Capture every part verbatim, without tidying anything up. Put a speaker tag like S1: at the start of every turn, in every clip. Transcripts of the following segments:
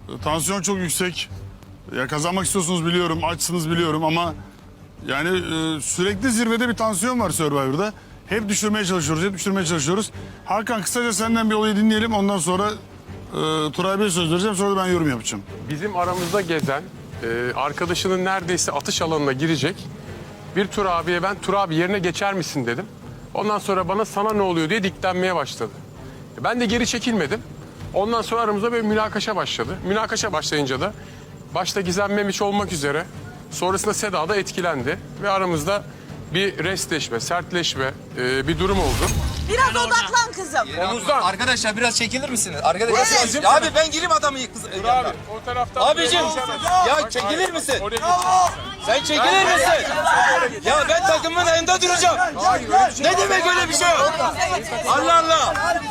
S1: Tansiyon çok yüksek. Ya kazanmak istiyorsunuz biliyorum, açsınız biliyorum ama yani e, sürekli zirvede bir tansiyon var Survivor'da. Hep düşürmeye çalışıyoruz, hep düşürmeye çalışıyoruz. Hakan kısaca senden bir olayı dinleyelim. Ondan sonra e, Turay Bey'e söz vereceğim. Sonra da ben yorum yapacağım.
S2: Bizim aramızda gezen e, arkadaşının neredeyse atış alanına girecek bir Tur abiye ben Tur abi yerine geçer misin dedim. Ondan sonra bana sana ne oluyor diye diklenmeye başladı. E, ben de geri çekilmedim. Ondan sonra aramızda böyle münakaşa başladı. Münakaşa başlayınca da başta Gizem Memiş olmak üzere sonrasında Seda da etkilendi. Ve aramızda bir restleşme, sertleşme e, bir durum oldu.
S3: Biraz odaklan kızım.
S2: Omuzdan.
S4: Arkadaşlar biraz çekilir misiniz? Arkadaşlar
S2: Evet.
S4: ya abi ben gireyim adamı kız.
S2: Tur abi o taraftan...
S4: Abicim ya çekilir misin? Sen çekilir misin? Ya ben takımın önünde duracağım. Ne demek öyle bir şey yok? Allah Allah.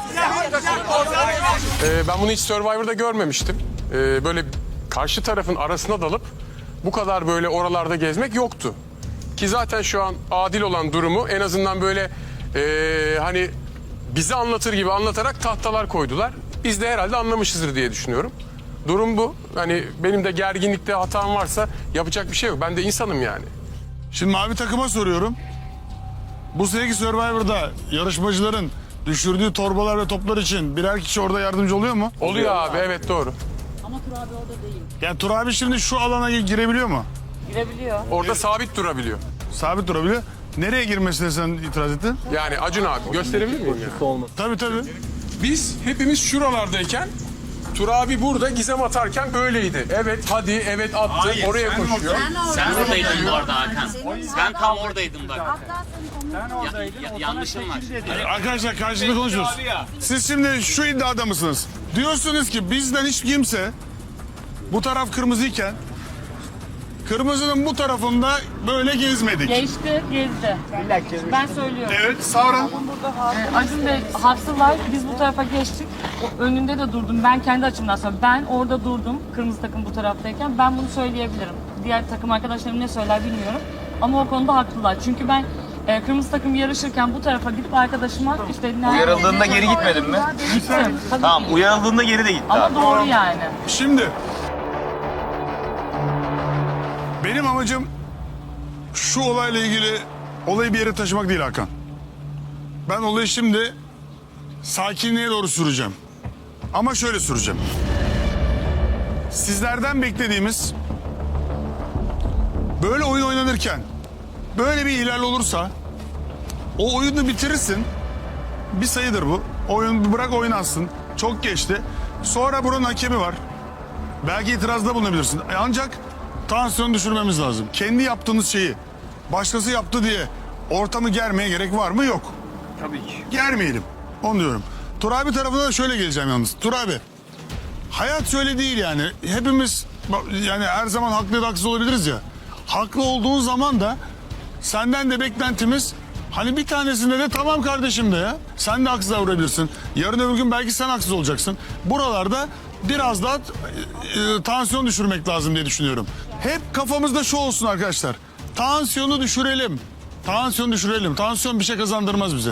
S2: Ee, ben bunu hiç Survivor'da görmemiştim. Ee, böyle karşı tarafın arasına dalıp bu kadar böyle oralarda gezmek yoktu. Ki zaten şu an adil olan durumu en azından böyle ee, hani bize anlatır gibi anlatarak tahtalar koydular. Biz de herhalde anlamışızdır diye düşünüyorum. Durum bu. Hani benim de gerginlikte hatam varsa yapacak bir şey yok. Ben de insanım yani.
S1: Şimdi mavi takıma soruyorum. Bu seneki Survivor'da yarışmacıların düşürdüğü torbalar ve toplar için birer kişi orada yardımcı oluyor mu?
S2: Oluyor abi, evet doğru.
S5: Ama Tur abi orada değil.
S1: Yani Tur abi şimdi şu alana girebiliyor mu?
S5: Girebiliyor.
S2: Orada sabit durabiliyor.
S1: Sabit durabiliyor. Nereye girmesine sen itiraz ettin?
S2: Yani Acun abi gösterebilir miyim yani?
S1: Tabii tabii.
S2: Biz hepimiz şuralardayken Tur abi burada Gizem atarken böyleydi. Evet hadi evet attı oraya koşuyor.
S6: Sen oradaydın bu arada Hakan. Ben tam oradaydım bak. Ya, ya, yanlışım var.
S1: Arkadaşlar karşılıklı konuşuyoruz. Siz şimdi şu iddiada mısınız? Diyorsunuz ki bizden hiç kimse bu taraf kırmızıyken kırmızının bu tarafında böyle gezmedik.
S5: Geçti, gezdi. Ben söylüyorum.
S1: Evet Savran.
S5: Ee, Acun Bey haklılar. Biz bu tarafa geçtik. O önünde de durdum. Ben kendi açımdan söylüyorum. Ben orada durdum. Kırmızı takım bu taraftayken. Ben bunu söyleyebilirim. Diğer takım arkadaşlarım ne söyler bilmiyorum. Ama o konuda haklılar. Çünkü ben e, kırmızı takım yarışırken bu tarafa gidip arkadaşıma işte...
S4: Uyarıldığında geri gitmedin mi?
S5: Gittim. Tabii
S4: Tamam
S5: ki.
S4: uyarıldığında geri de gitti
S5: Ama
S4: abi.
S5: doğru yani.
S1: Şimdi benim amacım şu olayla ilgili olayı bir yere taşımak değil Hakan. Ben olayı şimdi sakinliğe doğru süreceğim. Ama şöyle süreceğim. Sizlerden beklediğimiz böyle oyun oynanırken böyle bir ihlal olursa o oyunu bitirirsin. Bir sayıdır bu. Oyun bırak oynansın. Çok geçti. Sonra buranın hakemi var. Belki itirazda bulunabilirsin. E ancak tansiyon düşürmemiz lazım. Kendi yaptığınız şeyi başkası yaptı diye ortamı germeye gerek var mı? Yok.
S4: Tabii ki.
S1: Germeyelim. Onu diyorum. Tur abi tarafına da şöyle geleceğim yalnız. Tur abi. Hayat şöyle değil yani. Hepimiz yani her zaman haklı ya da haksız olabiliriz ya. Haklı olduğun zaman da senden de beklentimiz hani bir tanesinde de tamam kardeşim de ya. Sen de haksız davranabilirsin. Yarın öbür gün belki sen haksız olacaksın. Buralarda biraz daha e, e, tansiyon düşürmek lazım diye düşünüyorum. Hep kafamızda şu olsun arkadaşlar. Tansiyonu düşürelim. Tansiyon düşürelim. Tansiyon bir şey kazandırmaz bize.